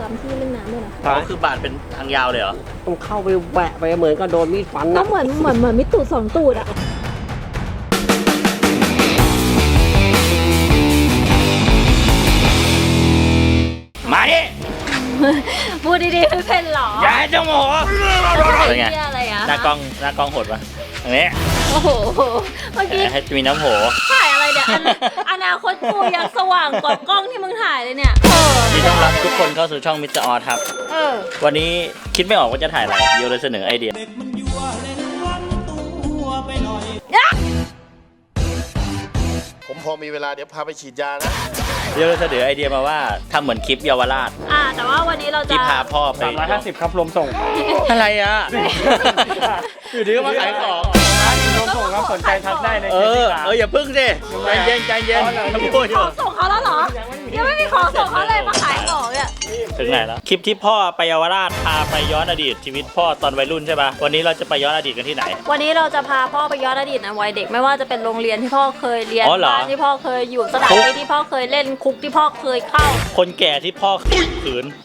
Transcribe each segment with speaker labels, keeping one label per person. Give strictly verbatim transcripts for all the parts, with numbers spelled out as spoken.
Speaker 1: รมที่เล่นน้ำด้วยนะ
Speaker 2: ก็คือบาดเป็นทางยาวเลยเหรอ
Speaker 3: ต้องเข้าไปแหวะไปเหมือนก็โดนมีดฟัน
Speaker 1: ก็
Speaker 3: นะ
Speaker 1: เหมือนเหมือนเหมือนมิตูดสองตูดอะ
Speaker 2: มาดิ
Speaker 1: พูดดีๆไม่เป็นหรอ
Speaker 2: อย่าให้เจ้าโมโหเป็นไง
Speaker 1: อะไรอะ
Speaker 2: หน้ากล้องหน้ากล้องโหดปะอันนี้
Speaker 1: โอ้โหเมื่อกี้
Speaker 2: ให้มีน้ำโห
Speaker 1: ถ่ายอะไรเนี่ยอนาคตกูยังสว่างกว่ากล้องที่มึงถ่ายเลยเนี่ยเออ
Speaker 2: ที่ต้องรับทุกคนเข้าสู่ช่องมิสเตอร์ออสครับ
Speaker 1: เออ
Speaker 2: วันนี้คิดไม่ออกว่าจะถ่ายอะไรโยเลยเสนอไอเดีย
Speaker 4: ผมพอมีเวลาเดี๋ยวพาไปฉีดยานะ
Speaker 2: โยเลยเสนอไอเดียมาว่าทำเหมือนคลิปเยาวราช
Speaker 1: อ่าแต่ว่าวันนี้เราจะ
Speaker 2: ที่พาพ่อไป
Speaker 3: สามร้อยห้าสิบครับรวมส่ง
Speaker 2: อะไรอ่ะ อยู่ดีก็มาขายของ
Speaker 3: รวมส่งครับสนใจทักได้ใน
Speaker 2: เอ
Speaker 3: เพจ
Speaker 2: อ
Speaker 3: ที่ร้าน
Speaker 2: เอออย่าพึ่งสิใจเย็นใจเย็นพูดอ
Speaker 1: ข
Speaker 2: ยู่
Speaker 1: องส่งเขาแล้วเหรอยังไม่มีของส่งเขาเลยมาขายของเนี่ย
Speaker 2: ถึงไหนแล้วคลิปที่พ่อไปเยาวราชพาไปย้อนอดีตชีวิตพ่อตอนวัยรุ่นใช่ป่ะวันนี้เราจะไปย้อนอดีตกันที่ไหน
Speaker 1: วันนี้เราจะพาพ่อไปย้อนอดีตในวัยเด็กไม่ว่าจะเป็นโรงเรียนที่พ่อเคยเรียน
Speaker 2: อ๋อเหรอ
Speaker 1: บ้านที่พ่อเคยอยู่สถานที่ที่พ่อเคยเล่นคุกที่พ่อเคยเข้า
Speaker 2: คนแก่ที่พ่อขืน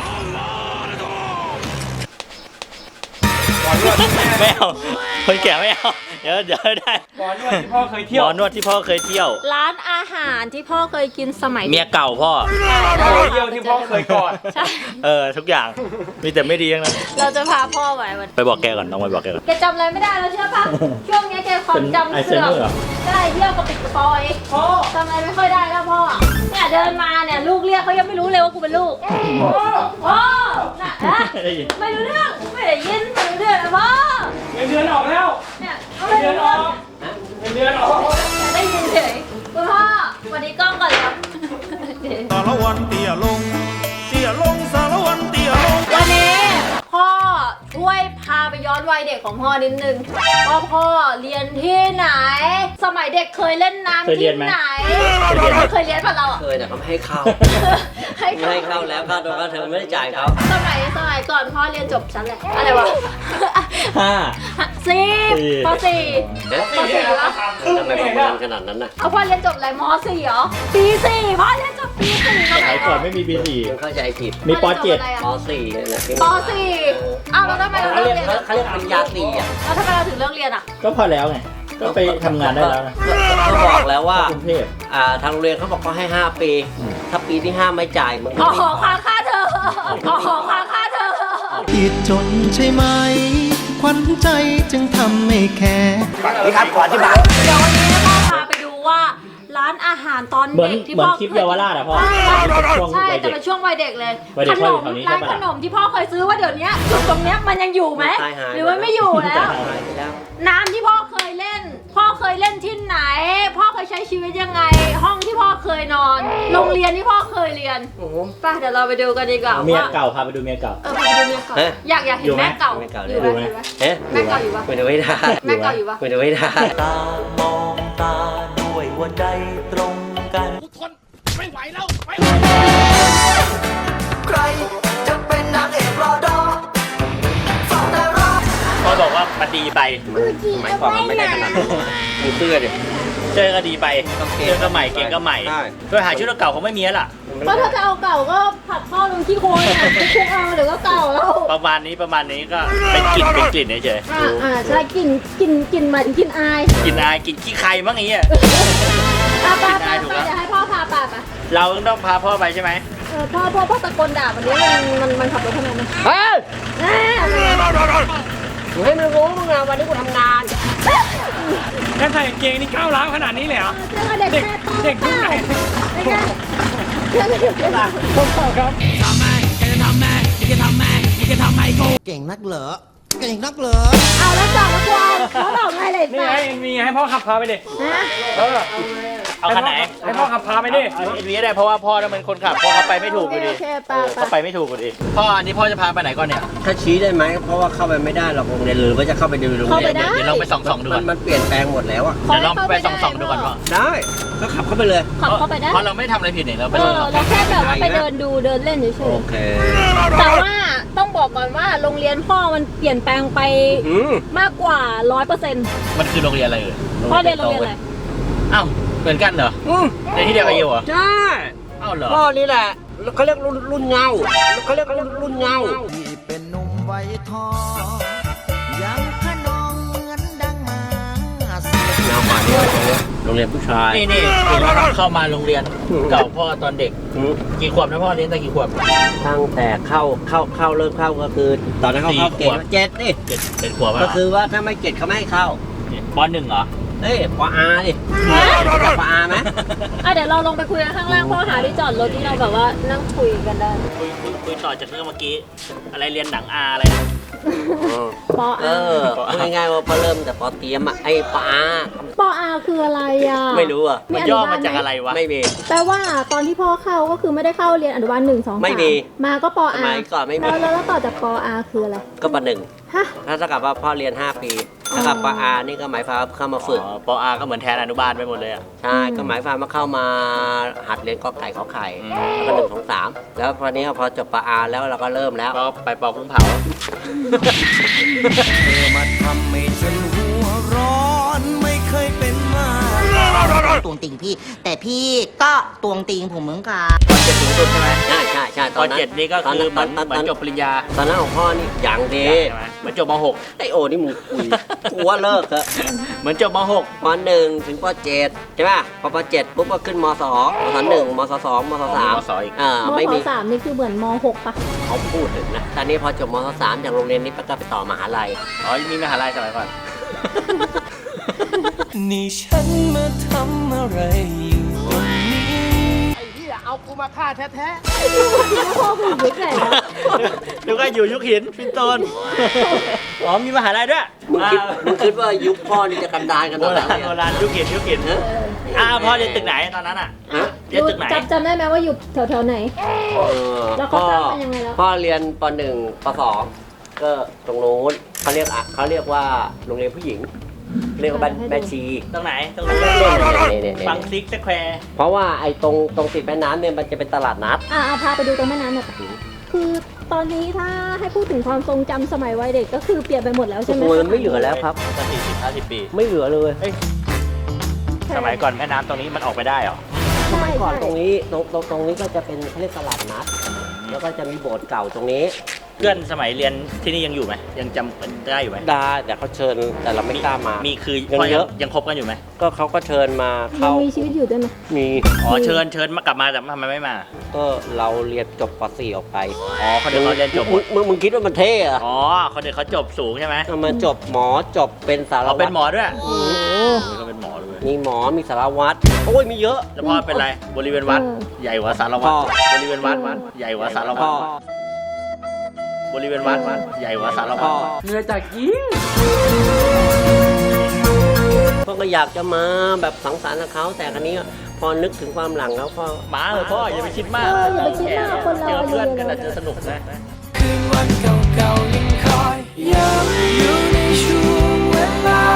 Speaker 2: ไม่เอาคนแก่ไม่เอาเดี๋ยวเดี๋ยวได้
Speaker 3: หมอนวดที่พ่อเคยเที่
Speaker 2: ห
Speaker 3: ยว
Speaker 2: มอนวดที่พ่อเคยเที่ยว
Speaker 1: ร้านอาหารที่พ่อเคยกินสมัย
Speaker 2: เมียเก่าพ่อ
Speaker 3: โอ้ยเยี่ยวที่พ่อเคยกอด
Speaker 1: ใช่
Speaker 2: เออทุกอย่างมีแต่ไม่ดีทั้งนั้น
Speaker 1: เราจะพาพ่อไปวัน
Speaker 2: ไปบอกแกก่อนต้องไปบอกแกก่อน
Speaker 1: แกจำอะไรไม่ได้แล้วเชื่อปะช่วงนี้แกความจำเสื่อมได้เที่ยวกับปิดกระปอยพ่อจำอะไรไม่ค่อยได้แล้วพ่อเนี่ยเดินมาเนี่ยลูกเรียกเขายังไม่รู้เลยว่ากูเป็นลูกพ่อพ่อน่ะนะไม่รู้เรื่องไม่ได้ยินไม่รู้เรื่องนะพ่อ
Speaker 3: เงินเดือนออกแล้ว
Speaker 1: เนี่ยเขา
Speaker 3: เงิ
Speaker 1: ไม่
Speaker 3: นเดือน
Speaker 1: รู้
Speaker 3: อ
Speaker 1: เรื่
Speaker 3: อ
Speaker 1: อง
Speaker 3: กเงินเดือนออก
Speaker 1: ได้ยินเฉยคุณพ่อวันนี้กล้องก่อนแล้ว
Speaker 5: สารวันเตี้ยลง เตี้ยลงสารวันเตี้ยลง
Speaker 1: วันนี้พ่อช่วยพาไปย้อนวัยเด็กของพ่อนิดนึงว่าพ่อเรียนที่ไหน สมัยเด็กเคยเล่นน้ำที่ไหนเคยเรียนป่ะเราอ่ะ
Speaker 3: เคยแต่เขาไม่ให้เข้า
Speaker 1: ให้
Speaker 3: ไม่ให้เข้าแล้วค่าตัวค่าเทอมไม่ได้จ่ายเขา
Speaker 1: สมัยสมัยก่อนพ่อเรียนจบชั้นอะไรอะไรวะ
Speaker 2: ห้า
Speaker 1: สี่
Speaker 2: สี่
Speaker 1: ปสี่ปสี่วะ
Speaker 3: ทำไมประมาณขนาดนั้นน่ะ
Speaker 1: เอาพ่อเรียนจบอะไรมสี่เหรอปีสี่พ่อเรียนจบปีสี่ส
Speaker 2: ส
Speaker 1: มั
Speaker 2: มั
Speaker 1: ย
Speaker 2: ย
Speaker 1: ก่
Speaker 2: ก่
Speaker 1: อ
Speaker 2: อน นไม่มีปีสี่
Speaker 3: ยังเข้าใจผิด
Speaker 2: มีปเจ็ด
Speaker 3: ปสี่เนี่ยนะ
Speaker 1: ปสี่อ้าวแล้วทำไมเรา
Speaker 3: เขา
Speaker 1: เลิ
Speaker 3: เรี
Speaker 1: ก
Speaker 3: ยก
Speaker 1: เรียน
Speaker 3: เขาเรียกปริญญาตรีอ่ะ
Speaker 1: แล้วทำไมเราถึงเลิกเรียนอ่ะ
Speaker 2: ก็พอแล้วไงก็ไปทำงานได้แล้วนะ
Speaker 3: เขาบอกแล้วว่า
Speaker 2: กรุงเทพ
Speaker 3: อ่าทางโรงเรียนเขาบอกเขาให้ห้าปี ถ้าปีที่ห้าไม่จ่ายมึง
Speaker 1: ขอขอค้างค่าเธอขอขอค้างค่าเธอ
Speaker 6: ผิดจนใช่ไหม ขวัญใจจึงทำไม่แคร์
Speaker 3: นี่ครับขออธิบาย
Speaker 1: เดี๋ยววันนี้พ่อพาไปดูว่าร้านอาหารตอน
Speaker 2: เหมือน
Speaker 1: เด็กที่
Speaker 2: เหมือ
Speaker 1: พ่
Speaker 2: น
Speaker 1: อ
Speaker 2: คลิปเยาวราชอะพ่อ
Speaker 1: ใช่
Speaker 2: ช่วง
Speaker 1: ใช่
Speaker 2: วัย
Speaker 1: แต่
Speaker 2: เด็ก
Speaker 1: เป็นช่วงวัยเด็กเลย
Speaker 2: วัยเด็
Speaker 1: ข
Speaker 2: ก
Speaker 1: น
Speaker 2: พ่ออยู่
Speaker 1: ม
Speaker 2: แถวนี้
Speaker 1: ร้าน
Speaker 2: ใช่
Speaker 1: ข
Speaker 2: ปะ
Speaker 1: นมที่พ่อเคยซื้อว่าเดี๋ยวนี้จุดตรงเนี้ยมันยังอยู่ไหมหรือว่าไม่อยู่แล้ว
Speaker 3: หายไปแล้ว
Speaker 1: น้ำที่พ่อเคยเล่น พ่อเคยเล่นที่ไหน พ่อเคยใช้ชีวิตยังไง ห้องที่พ่อเคยนอน โรงเรียนที่พ่อเคยเรียน
Speaker 3: โอ้โห
Speaker 1: ไป่ะเดี๋ยวเราไปดูกันดีกว่า
Speaker 2: เมีย
Speaker 1: ว่า
Speaker 2: เก่าพาไปดูเมียเก่า
Speaker 1: เออไปดูเมียเก่า
Speaker 3: เอ๊ะ
Speaker 1: อยากอยากเห็
Speaker 2: อยู่
Speaker 1: น
Speaker 2: ไหม
Speaker 1: แม่เก่า
Speaker 3: แม่เก่า
Speaker 1: อยู่ไหม
Speaker 2: อยู่ไหม
Speaker 1: อยู่ไหม
Speaker 3: เอ๊ะ
Speaker 1: แม่เก่าอยู่ปะ
Speaker 3: ไม่ได้ไม่ได้
Speaker 1: แม่เก่าอยู่ปะ
Speaker 3: ไม่ได้ไม่ได้
Speaker 5: ตามองตาด้วยหัวใจตรงกัน
Speaker 6: ใครจะเป็นนางเอกรอดอฟังแต่ร้อง
Speaker 2: พ่อบอกว่ามันดีไป
Speaker 3: หมายความว่าไม่ได้ขนาดนั้นมีเสื้อดิ
Speaker 2: เจอก็ดีไป
Speaker 3: ต้องเก่ง
Speaker 2: เจอก็ใหม่เก่งก็ใหม่
Speaker 3: ใช่
Speaker 2: โดยหาชุดเก่าเขาไม่มีแล้วล่ะ
Speaker 1: ก็ถ้าจะเอาเก่าก็ผัดพ่อลงขี้โคลนอ่ะไม่คุกเอาเดี๋ยวก็เก่าแล้ว
Speaker 2: ประมาณนี้ประมาณนี้ก็เป็นกลิ่นเป็นกลิ่นเฉย
Speaker 1: อ่าอ่าใช่กลิ่นกลิ่นกลิ่นหมายถึงกลิ่นอาย
Speaker 2: ๆกลิ่นอายกลิ่นขี้ใครบ้างอย่างเงี้ย
Speaker 1: อ่ะไป
Speaker 2: กลิ่น
Speaker 1: ไป
Speaker 2: อายถูก
Speaker 1: ไป
Speaker 2: ปะ
Speaker 1: เดี๋ยวให้พ่อพาไปไป
Speaker 2: เราต้องพาพ่อไปใช่ไหม
Speaker 1: เออพ่อพ่อพ่อตะโกนด่าวันนี้มันมันมันขับรถทำไมมัน
Speaker 3: เฮ้ย
Speaker 1: แน่เลย
Speaker 3: กูให้มึงรู้มึงอะวันนี้กูทำงาน
Speaker 7: แล้วใส่กางเกงนี่ก้าวร้าวขนาดนี้เลยเหรอ
Speaker 1: เจอเด็กแม่ต้อง
Speaker 7: เด็กยุคไหน
Speaker 1: เป็นไงเจอเด็กแม่
Speaker 6: เก่งนักเหรอ เก่งนักเหรอ
Speaker 1: เอาแล้วจอดแล้วกวางเขาบอกไงเลย
Speaker 7: นี่
Speaker 1: จ้ะ
Speaker 7: ไงมีให้พ่อขับพาไปดิ
Speaker 1: ฮะ
Speaker 7: เออ
Speaker 2: เอาคันไหน
Speaker 7: ให้พ่อขับพาไปดิ
Speaker 2: เอาเอ็นวีได้เพราะว่าพ่อต้องเป็นคนขับเพราะเขาไปไม่ถูกอยู่ดี
Speaker 1: โอเคไป
Speaker 2: เออ
Speaker 1: ไป
Speaker 2: เขาไปไม่ถูกอยู่ดีพ่ออันนี้พ่อจะพาไปไหนก่อนเนี่ย
Speaker 3: ถ้าชี้ได้ไหมเพราะว่าเข้าไปไม่ได้หรอกโรงเรียนหรือว่าจะเข้าไปดูโรง
Speaker 1: เข้า
Speaker 3: เรี
Speaker 1: ไป
Speaker 3: ยน
Speaker 1: ได้
Speaker 2: เดี๋ยวลองไปส่องๆดู
Speaker 3: มั
Speaker 2: ก่อน น
Speaker 3: มันเปลี่ยนแปลงหมดแล้วอะ
Speaker 2: เดี๋ยวลองไปส่องๆดูก่อนว่า
Speaker 3: ได้ก็ขับเข้าไปเลย
Speaker 1: ขับเข้าไปได้
Speaker 2: เพราะเราไม่ทำอะไรผิดเนี่ยเราไป
Speaker 1: เอ
Speaker 2: ลอ
Speaker 1: อง เราแค่แบบว่าไปเดินดูเดินเล่นเฉ
Speaker 3: โอย เค
Speaker 1: ๆแต่ว่าต้องบอกก่อนว่าโรงเรียนพ่อมันเปลี่ยนแปลงไป
Speaker 3: อืม
Speaker 1: มากกว่าร้อยเปอร์เซ็นต์
Speaker 2: มันคือโรงเรียนอะไรเอ่ย
Speaker 1: พ่อเรียนโรงเรียนอะไร
Speaker 2: อ้าวเหมือนกันเหรอ
Speaker 3: อืม
Speaker 2: เรียนที่เดียวกับยูเหรอ
Speaker 3: ใช่
Speaker 2: อ้าวเหรอ
Speaker 3: พ่อนี่แหละเขาเรียกรุ่นรุ่นเงาเขาเรียกรุ่นรุ่นเงา
Speaker 6: ที่เป็นหนุ่มวัยทองยังขนองเหมือนดังมาเสีย
Speaker 3: เงาป่านี้โรงเรียนผู้ชาย
Speaker 2: นี่นี่เห็นว่าเข้ามาโรงเรียนเก่าพ่อตอนเด็กกี่ขวบนะพ่อเรียนตั้งกี่ขวบ
Speaker 3: ตั้งแต่เข้าเข้าเข้าเริ่มเข้าก็คือ ตอนนั้นเขาเข้าเกณฑ์เจ็ดนี่
Speaker 2: เจ็ดเป็นขวบ
Speaker 3: ก็คือว่าถ้าไม่เจ็ดเขาไม่ให้เข้า
Speaker 2: ปหนึ่งเหรอ
Speaker 3: เอ้ยปอาดิจับปอาไหม
Speaker 1: อ่ะเดี๋ยวเราลงไปคุยกันข้างล่างพ่อหาที่จอดรถที่เราแบบว่านั่งคุยกันได้
Speaker 2: คุยคุยคุยต่อจากเรื่องเมื่อกี้อะไรเรียนหนังอาอะไรนะ
Speaker 1: ปอ
Speaker 3: เอ
Speaker 1: อา
Speaker 3: อพูดง่ายๆว่าพอเริ่มแต่ปอเตรียมอะไอ้ปอา
Speaker 1: ปออาคืออะไรอ่ะ
Speaker 3: ไม่รู้อะ
Speaker 2: มันย่อมาจากอะไรวะ
Speaker 3: ไม่มี
Speaker 1: แปลว่าตอนที่พ่อเข้าก็คือไม่ได้เข้าเรียนอนุบาลหนึ่งสองสาม
Speaker 3: ไม่มี
Speaker 1: มาก็ปอ
Speaker 3: ส
Speaker 1: อา
Speaker 3: มัยก่อนไม่มี
Speaker 1: แล้วแล้วต่อจากปออาคืออะไร
Speaker 3: ก็ปหนึ่ง
Speaker 1: ฮะ
Speaker 3: ถ้าเท่ากับว่าพ่อเรียนห้าปีถ้ากับปอานี่ก็หมายความว่าเข้ามาฝึก
Speaker 2: อ๋อปอาก็เหมือนแทนอนุบาลไปหมดเลยอ่ะ
Speaker 3: ใช่ก็หมายความว่าเข้ามาหัดเรียนกอไก่ขอไข่
Speaker 2: อืม
Speaker 3: แล้วก็หนึ่งสองสามแล้วพอนี้พอจบปอาแล้วเราก็เริ่มแล้ว
Speaker 2: ก็ไปปอกุ้งเผา
Speaker 6: เธอมาทำให้ฉันหัวร้อนไม่เคยเป็นมา
Speaker 8: ตวงติงพี่ แต่พี่ก็ตวงติงผมเหมือนกัน
Speaker 2: เจ็ดสูงสุดใช่ไหม
Speaker 3: ใช่ใช่ใช่
Speaker 2: ตอนเจ็ดนี่ก็คือเหมือน
Speaker 3: ตอน
Speaker 2: เหมือนจบปริญญา
Speaker 3: ตอนนั้นของพ่อนี่อย่างดี
Speaker 2: ใช่ไหมเหมือนจบมหก
Speaker 3: ไอโอนี่มึงคุยกูว่าเลิกเถอะ
Speaker 2: เหมือนจบมหก
Speaker 3: ปหนึ่งถึงปเจ็ดใช่ป่ะพอปเจ็ดปุ๊บก็ขึ้นมสองมสหนึ่งมสสองมสสาม
Speaker 2: มสอีก
Speaker 3: อ่าม ไม่
Speaker 1: ศ
Speaker 3: มี
Speaker 1: สามนี่คือเหมือนมหกปะ
Speaker 3: เขาพูดถึงนะตอนนี้พอจบมสสามจากโรงเรียนนี้ก็ไปต่อมหาลัย
Speaker 2: อ๋อมีมหาลัยสมัยก่อน
Speaker 6: นี่ฉันมาทำอะไรอยู่ตรงนี้
Speaker 1: พ่อคือยุคไหนนะ
Speaker 2: ดูก็อยู่ยุคหินฟินโตนอ๋อมีมหาลัยด้วย
Speaker 3: มึงคิดมึงคิดว่ายุคพ่อนี่จะกันดารกัน
Speaker 2: โบ
Speaker 3: ตอนไหน
Speaker 2: ราณ
Speaker 3: เนี่ย
Speaker 2: โบราณยุคหินยุคหิน
Speaker 3: ฮะ
Speaker 2: อ่าพ่อเรียนตึกไหนตอนนั้นอ่ะ
Speaker 3: ฮะ
Speaker 2: เรียนตึกไหน
Speaker 1: จำจำได้ไหมว่าอยู่แถวแถวๆไหน
Speaker 3: เออ
Speaker 1: แล้วเขา
Speaker 3: พ่อ
Speaker 1: สร้างกันยังไงแล้ว
Speaker 3: พ่อเรียนปหนึ่งปสองก็ตรงโน้นเขาเรียกอะเขาเรียกว่าโรงเรียนผู้หญิง เรียกว่าแม่ชี
Speaker 2: ตรงไหนตรงไหน
Speaker 3: เนี่ยๆๆๆ
Speaker 2: ฟังซิกสแควร์
Speaker 3: เพราะว่าไอ้ตรงตรงติดแม่น้ำเนี่ยมันจะเป็นตลาดนัด
Speaker 1: อ่ะเอาพาไปดูตรงแม่น้ำหน่อยปะคือตอนนี้ถ้าให้พูดถึงความทรงจำสมัยวัยเด็กก็คือเปลี่ยนไปหมดแล้วใช่ไหม
Speaker 3: โอ้ยไม่เหลือแล้วครับ
Speaker 2: ก็สี่สิบห้าสิบปี
Speaker 3: ไม่เหลือเลย
Speaker 2: สมัยก่อนแม่น้ำตรงนี้มันออกไปได้เหรอ
Speaker 1: ใช่
Speaker 3: ก่อน
Speaker 1: ใช่
Speaker 3: ตรงนี้ตรงตรงตรงนี้ก็จะเป็นเขาเรียกตลาดนัด แล้วก็จะมีโบสถ์เก่าตรงนี้
Speaker 2: เพื่อนสมัยเรียนที่นี่ยังอยู่ไหมยังจำได้อยู่ไหม
Speaker 3: ได้แต่เขาเชิญแต่เราไม่กล้ามา
Speaker 2: มีคือ
Speaker 3: ยัง
Speaker 2: พ่อ
Speaker 3: เย
Speaker 2: ยัง
Speaker 3: อะ
Speaker 2: ยังคบกันอยู่ไหม
Speaker 3: ก็เขาก็เชิญมา
Speaker 1: ยั
Speaker 3: เข้าง
Speaker 1: มีชีวิตอยู่ด้วยไหม
Speaker 3: มี
Speaker 2: อ๋อเชิญเชิญมากลับมาแต่ทำไมไม่มา
Speaker 3: ก็เราเรียนจบป .สี่ ออกไป
Speaker 2: อ๋อคนเดียวเขาเรียนจบหม
Speaker 3: มึ
Speaker 2: ด
Speaker 3: งมึงมึงคิดว่ามันเท่เหรอะ
Speaker 2: อ๋อคนเดียวเขาจบสูงใช่ไหม
Speaker 3: ทำไมาจบหมอจบเป็นสาร
Speaker 2: เรา
Speaker 3: วั
Speaker 2: เป็
Speaker 3: ต
Speaker 2: น
Speaker 3: ร
Speaker 2: หมอด้วย
Speaker 1: โอ้โห
Speaker 2: ก็เป็นหมอด้วย
Speaker 3: มีหมอมีสารวัตรโอ้ยมีเยอะ
Speaker 2: แล้วพ่อเป็นไรบริเวณวัด
Speaker 1: เออ
Speaker 2: ใหญ่กว่าสารวัต
Speaker 3: พ่
Speaker 2: ร
Speaker 3: อ
Speaker 2: บริเวณวัดวัดใหญ่กว่าสารวั
Speaker 3: พ่
Speaker 2: ต
Speaker 3: อ
Speaker 2: รบริเวณวัดวัดใหญ่กว่าสารวั
Speaker 3: พ่
Speaker 2: ต
Speaker 3: อ
Speaker 2: ร
Speaker 7: เหนื่อยจากยิง
Speaker 3: พ่อก็อยากจะมาแบบสังสรรค์กับเขาแต่ครั้นี้พอนึกถึงความหลังแล้วพ่อ
Speaker 2: มาเถอะพ่ออย่าไปคิดมาก
Speaker 1: เอออย่าไปคิดมากคนเรา
Speaker 2: เจอเพื่อนกัน
Speaker 1: อา
Speaker 2: อา
Speaker 1: ยุ
Speaker 2: จจะสนุกนะ
Speaker 6: คืนวันเก่าๆยังคอยย้ำอยู่ในช่วงเวลา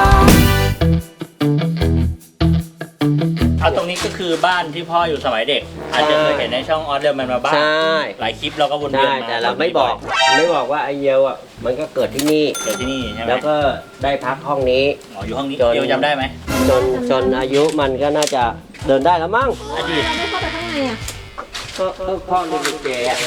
Speaker 2: เอาตรงนี้ก็คือบ้านที่พ่ออยู่สมัยเด็ก อาจจะเคยเห็นในช่องออสเดอร์แมนมาบ้าง
Speaker 3: ใช่
Speaker 2: หลายคลิปเราก็วนเวียน
Speaker 3: ใช่
Speaker 2: มา
Speaker 3: แต่เราไม่บอกไม่บอกว่าไอเยลอ่ะมันก็เกิดที่นี่
Speaker 2: เกิดที่นี่ใช่ไหม
Speaker 3: แล้วก็ได้พักห้องนี้
Speaker 2: อ๋ออยู่ห้องนี้
Speaker 3: จน
Speaker 2: เดียวจำได้ไหม
Speaker 3: จนจนอายุมันก็น่าจะเดินได้แล้วมั้ง
Speaker 2: อดีต
Speaker 1: เราไม่เข้าไปข้างในอ่ะ
Speaker 3: ก็ก็พ่อเรียนลิเกอะ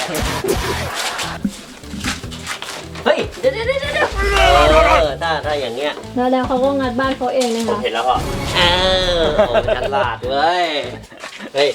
Speaker 3: เฮ้ยเดี๋ยวเดี๋ยวเดี๋ยวเดี๋ยวเออถ้าถ้าอย่างเงี้ย
Speaker 1: แล้วแล้วเขาก็งัดบ้านเขาเองนะ
Speaker 2: ผม
Speaker 1: คะ
Speaker 2: เห็นแล้วพ่อ
Speaker 3: เออโอ้ฉลาดเว้ยเฮ้ย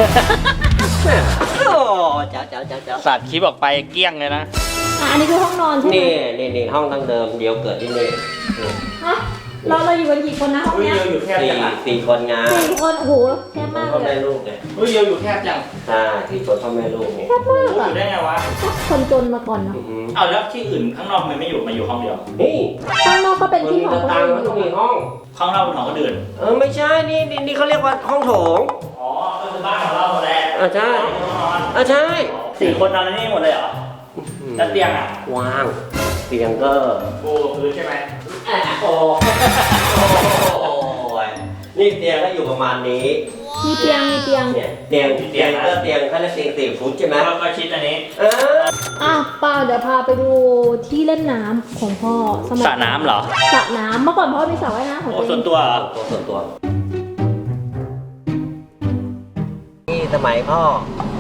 Speaker 3: โอ้เจ้าเจ้าเจ้าเจ้า
Speaker 2: สัตว์คลิปออกไปเกลี้ยงเลยนะ
Speaker 1: อ่ะอันนี้คือห้องนอนใช่ไหม
Speaker 3: นี่นี่นี่ห้องตั้งเดิมเดียวเกิดที่นี่
Speaker 1: ฮะเราเราอยู่กันกี่คนนะห้องเนี้ย
Speaker 2: อยู่แคบ
Speaker 3: สี่
Speaker 2: จังอะ
Speaker 3: สี่คนงาน
Speaker 1: สี่คนโอ้โหแค่มาก
Speaker 3: พ่อ
Speaker 1: เล
Speaker 3: แม่
Speaker 1: ย
Speaker 3: ลูกเนี่ย
Speaker 2: เฮ้ยเดียวอยู่แคบจัง
Speaker 3: ใช่สี่คนพ่อแม่ลูกเนี่ย
Speaker 1: แค่มาก
Speaker 2: อ
Speaker 1: อ่ะ
Speaker 2: ยู่ได้ไงวะ
Speaker 1: คนจนมาก่อนเนาะ
Speaker 3: อื้อหือ
Speaker 2: เอาแล้วที่อื่นข้างนอกมันไม่อยู่มาอยู่ห้องเดียว
Speaker 3: นี่
Speaker 1: ข้างนอกก็เป็น
Speaker 3: มัน
Speaker 1: ที่
Speaker 3: มี
Speaker 1: ของ
Speaker 3: หน้า
Speaker 1: คน
Speaker 3: ต่าง
Speaker 1: อื่น
Speaker 3: แล้วก็มีห้อง
Speaker 2: ข้างนอกเป็นของคนอื่น
Speaker 3: เออไม่ใช่นี่นี่นี่เขาเรียกว่าห้องโถง
Speaker 2: อ๋อก็คือบ้านของเราหมดแหละ
Speaker 3: อ่ะใช่
Speaker 2: ห้องนอน
Speaker 3: อ่ะใช่
Speaker 2: สี่คนนอนในนี่หมดเลยเหรอแล้วเตียงอ่ะ
Speaker 3: ว่างเตียงก็
Speaker 2: ปูพื้นใช่ไหม
Speaker 3: โอ้โอ้ยนี่เตียงก็อยู่ประมาณนี้
Speaker 1: มีเตียงมีเตียง
Speaker 3: เนี่ยเตียงเตียงก็เตียงแค่ละสี่สี่ฟุตใช่ไหม
Speaker 2: แล้วก็ชิดอันนี้
Speaker 3: เออ
Speaker 1: อ่ะป้าเดี๋ยวพาไปดูที่เล่นน้ำของพ่อสมัย
Speaker 2: สระน้ำเหรอ
Speaker 1: สระน้ำเมื่อก่อนพ่อมีสระว่ายน้ำของ
Speaker 2: โอ้
Speaker 1: ตัวเอ
Speaker 2: ส่วน
Speaker 1: ง
Speaker 2: ตัวเหรอ
Speaker 3: ตัวส่วนตัวนี่สมัยพ่อ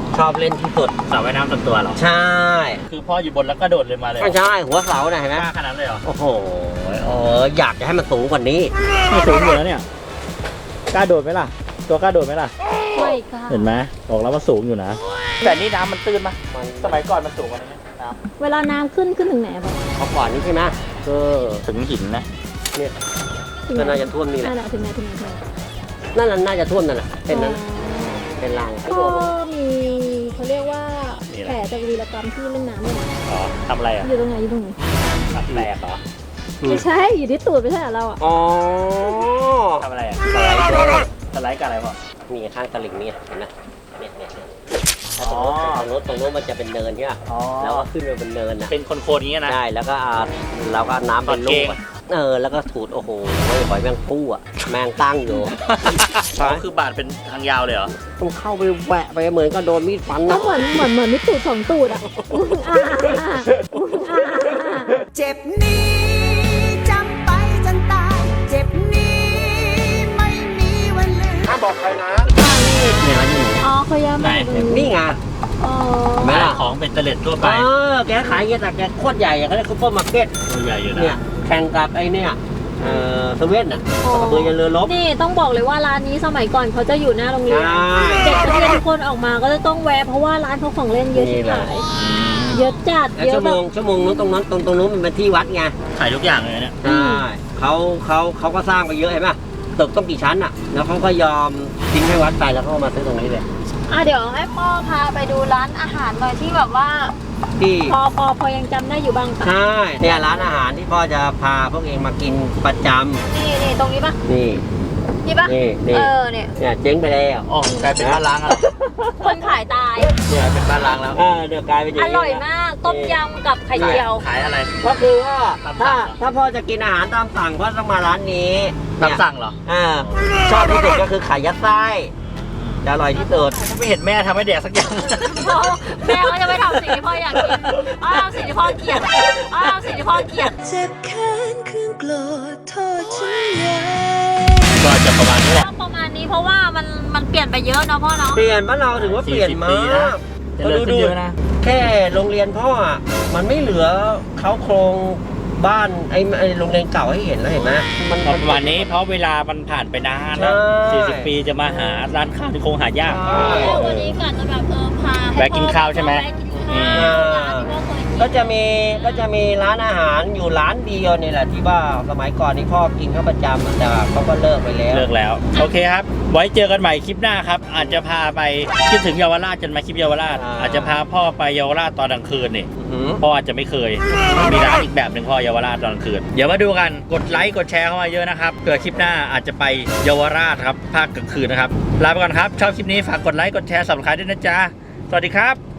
Speaker 3: ชอบเล่นที่สุด
Speaker 2: สระว่ายน้ำส่วนตัวเหรอ
Speaker 3: ใช่
Speaker 2: คือพ่ออยู่บนแล้วก็โดดเลยมาเลยเหรอ
Speaker 3: ไม่ใช่หัวเสาน่ะเห็นไหม
Speaker 2: กล้าขนาดนั้นเลยเหรอ
Speaker 3: โอ้โหเอออยากจะให้มันสูงกว่านี้
Speaker 2: ไม่สูงอยู่แล้วเนี่ยกล้าโดดไหมล่ะ ตัวกล้าโดดไหมล่ะ
Speaker 1: ไม่กล้า
Speaker 2: เห็นไหมบอกแล้วว่าสูงอยู่นะ แต่นี่น้ำมันตื้นปะสมัยก่อนมันสูงกว่านี้น้
Speaker 1: เวลาน้ำขึ้นขึ้นถึงไหนอะบอก
Speaker 3: เอาก่อนนี้ใช่ไหมก็
Speaker 2: ำถึงหินนะ
Speaker 3: เนี่ย
Speaker 1: ถึง
Speaker 3: ก็
Speaker 1: ไหน
Speaker 3: น่าจะท่วมนี่แหละ
Speaker 1: นั่นแหละถึงไหนถึงไหนถึงไหน
Speaker 3: นั่นน่ะน่าจะท่วมนั่นแหละเป็นนั้นน่ะเป็นราง
Speaker 1: พ่อมีเขาเรียกว่าแผลจากวีรกรรมที่เล่นน้ำเนี่ย
Speaker 2: อ๋อทำอะไรอ่ะ
Speaker 1: อยู่ตรงไหนอยู่ตรงไหน
Speaker 2: ตัดแตกเหรอ
Speaker 1: ไม่ใช่อยู่ที่ตูดไม่ใช่เหรอเราอ่ะ
Speaker 3: อ๋อ
Speaker 2: ทำอะไรอ่ะสไลด์ด้วยสไลด์กับอะไรพ่อ
Speaker 3: มีข้างตลิ่งนี่เห็นไหมเนี่ยเนี่ยเนี่ย
Speaker 2: อ๋อ
Speaker 3: ตรงโน้นตรงโน้นมันจะเป็นเนินใช่ไหม
Speaker 2: อ๋อ
Speaker 3: แล้วก็ขึ้นไปเป็นเนินนะ
Speaker 2: เป็นคนโคนๆอย่างเงี้ยนะ
Speaker 3: ใช่แล้วก็อ่าเราก็น้ำเป็นลูกอะเออแล้วก็ถูดโอ้โหหอยแมงปูอ่ะแมงตั้งอยู่
Speaker 2: อ๋อคือบาดเป็นทางยาวเลยเหรอ
Speaker 3: ต้องเข้าไปแหวะไปเหมือนก็โดนมีดฟัน
Speaker 1: ก็
Speaker 3: นะ
Speaker 1: เหมือนเหมือนเหมือนมีตูดสองตูดอ่ะอุ้งอ่าอุ้งอ่า
Speaker 6: เจ็บนี้จำไปจนตาย เจ็บนี้ไม่มีวันลืม
Speaker 4: ห้ามบอกใครนะ
Speaker 3: เนี่ยร้านนี้
Speaker 1: อ๋อเขาย้ายมาอยู่ตรง
Speaker 3: นี่ไง
Speaker 1: อ๋อ
Speaker 3: ไหมล่ะ
Speaker 2: ของเป็นเตล็ดทั่วไป
Speaker 3: เออแกขายเงี้ยแต่แกโคตรใหญ่อะเขาเรียกซุปเปอร์มาร์เก็ต
Speaker 2: ตัวใหญ่อยู่นะ
Speaker 3: เนี่ยแข่งกับไอ้เนี่ยเอ่อเซเว่นอ่ะกระเบือยันเรือรบ
Speaker 1: นี่ต้องบอกเลยว่าร้านนี้สมัยก่อนเขาจะอยู่หน้าโรงเรียน
Speaker 3: ใช่
Speaker 1: เด็กนักเรียนทุกคนออกมาก็จะต้องแวะเพราะว่าร้านเขาของเล่นเยอะที่ขายเยอะจัด
Speaker 3: แล้ว
Speaker 1: เยอะ
Speaker 3: ชั่ว
Speaker 1: แบ
Speaker 3: โม
Speaker 1: บ
Speaker 3: งชั่วโมงนู้นตรงนั้นตรงตรงนู้นมันเป็นที่วัดไง
Speaker 2: ขายทุกอย่างเลยเนี่ย
Speaker 3: ใช่เขาเขาเขาก็สร้างไปเยอะเห็นไหมตึกต้องกี่ชั้นอ่ะ แล้วเขาก็ยอมทิ้งให้วัดไปแล้วเขาก็มาซื้อตรงนี้เลย
Speaker 1: อ่ะเดี๋ยวให้พ่อพาไปดูร้านอาหารหน่อยที่แบบว่า
Speaker 3: ที่
Speaker 1: พอพอพอยังจำได้อยู่บ้างปะ
Speaker 3: ใช่เนี่ยร้านอาหารที่พ่อจะพาพวกเองมากินประจ
Speaker 1: นี่นี่ตรงนี้ปะ
Speaker 3: ำนี่
Speaker 1: นี่ปะ
Speaker 3: นี่นี่
Speaker 1: เออเนี่ย
Speaker 3: เนี่ยเจ๊งไปแล้ว
Speaker 2: อ๋อกลายเป็นบ้านล้างอะไร
Speaker 1: คนขายตาย
Speaker 2: เนี่ยเป็นบ้านล้างแล้ว
Speaker 3: เออเดี๋ยวกลายเป็นอย่าง
Speaker 1: อ
Speaker 3: นี้
Speaker 1: ร่อยมากต้มยำกับไข่เจียว
Speaker 2: ขายอะไร
Speaker 3: ก็คือว่า
Speaker 2: ตามสั่
Speaker 3: ถ้าง
Speaker 2: เหรอ
Speaker 3: ถ้าพ่อจะกินอาหารตามสั่งพ่อต้องมาร้านนี้
Speaker 2: ตาม
Speaker 3: เนี่ย
Speaker 2: สั่งเหรอ
Speaker 3: อ่าชอบที่สุดก็คือไข่ยัดไส้จะอร่อยที่สุด
Speaker 2: ไม่เห็นแม่ทำให้แดกสักอย่าง
Speaker 1: พ่อแม่ก็จะไม่ทำสิ่งที่พ่ออยากกินอ๋อทำสิ่งที่พ่อเกลียดอ๋อทำสิ่งที่พ่อเกลียด
Speaker 6: เจ็บแค้นเครื่องโกรธโทษฉันใหญ่
Speaker 2: ก็จะประมาณนี้แหละ
Speaker 1: ก็ประมาณนี้เพราะว่ามันมันเปลี่ยนไปเยอะเนาะพ่อเนาะ
Speaker 3: เปลี่ยนบ้านเราถือว่าเปลี่ยน
Speaker 2: สี่สิบ
Speaker 3: มา
Speaker 2: ปีนะ
Speaker 3: ก
Speaker 2: เจริญขึ้นเยอะนะ
Speaker 3: แค่โรงเรียนพ่ออ่ะมันไม่เหลือเขาโครงบ้านไอ้ไอ้โรงเรียนเก่าให้เห็นแล้วเห็นไหมมัน
Speaker 2: ประมาณนี้เพราะเวลามันผ่านไปนานแล้ว
Speaker 3: ใช่
Speaker 2: สี่สิบปีจะมาหาร้านข้าวที่คงหายาก
Speaker 3: ใช่
Speaker 1: แล้ววันนี้กะจะแบบเออพาให้
Speaker 2: แวะกินข้าวใช่ไหม
Speaker 1: แวะกินข้าวร้านที่พ่อเคยกิน
Speaker 3: ก็จะมีก็จะมีร้านอาหารอยู่ร้านเดียวนี่แหละที่ว่าสมัยก่อนนี่พ่อกินเขาประจำอะแต่เขาก็เลิกไปแล้ว
Speaker 2: เลิกแล้ว โอเคครับ ไว้เจอกันใหม่คลิปหน้าครับ อาจจะพาไปคิดถึงเยาวราชจนมาคลิปเยาวราช
Speaker 3: อ่า
Speaker 2: อาจจะพาพ่อไปเยาวราชตอนกลางคืนนี่
Speaker 3: อื้อหือ
Speaker 2: พ่ออาจจะไม่เคย มีร้านอีกแบบหนึ่งพ่อเยาวราชตอนกลางคืน เดี๋ยวมาดูกัน กดไลค์ กดแชร์เข้ามาเยอะนะครับ เผื่อคลิปหน้าอาจจะไปเยาวราชครับ ภาคกลางคืนนะครับ ลาไปก่อนครับ ชอบคลิปนี้ฝากกดไลค์ กดแชร์สับสไครต์ด้วยนะจ๊ะ สวัสดีครับ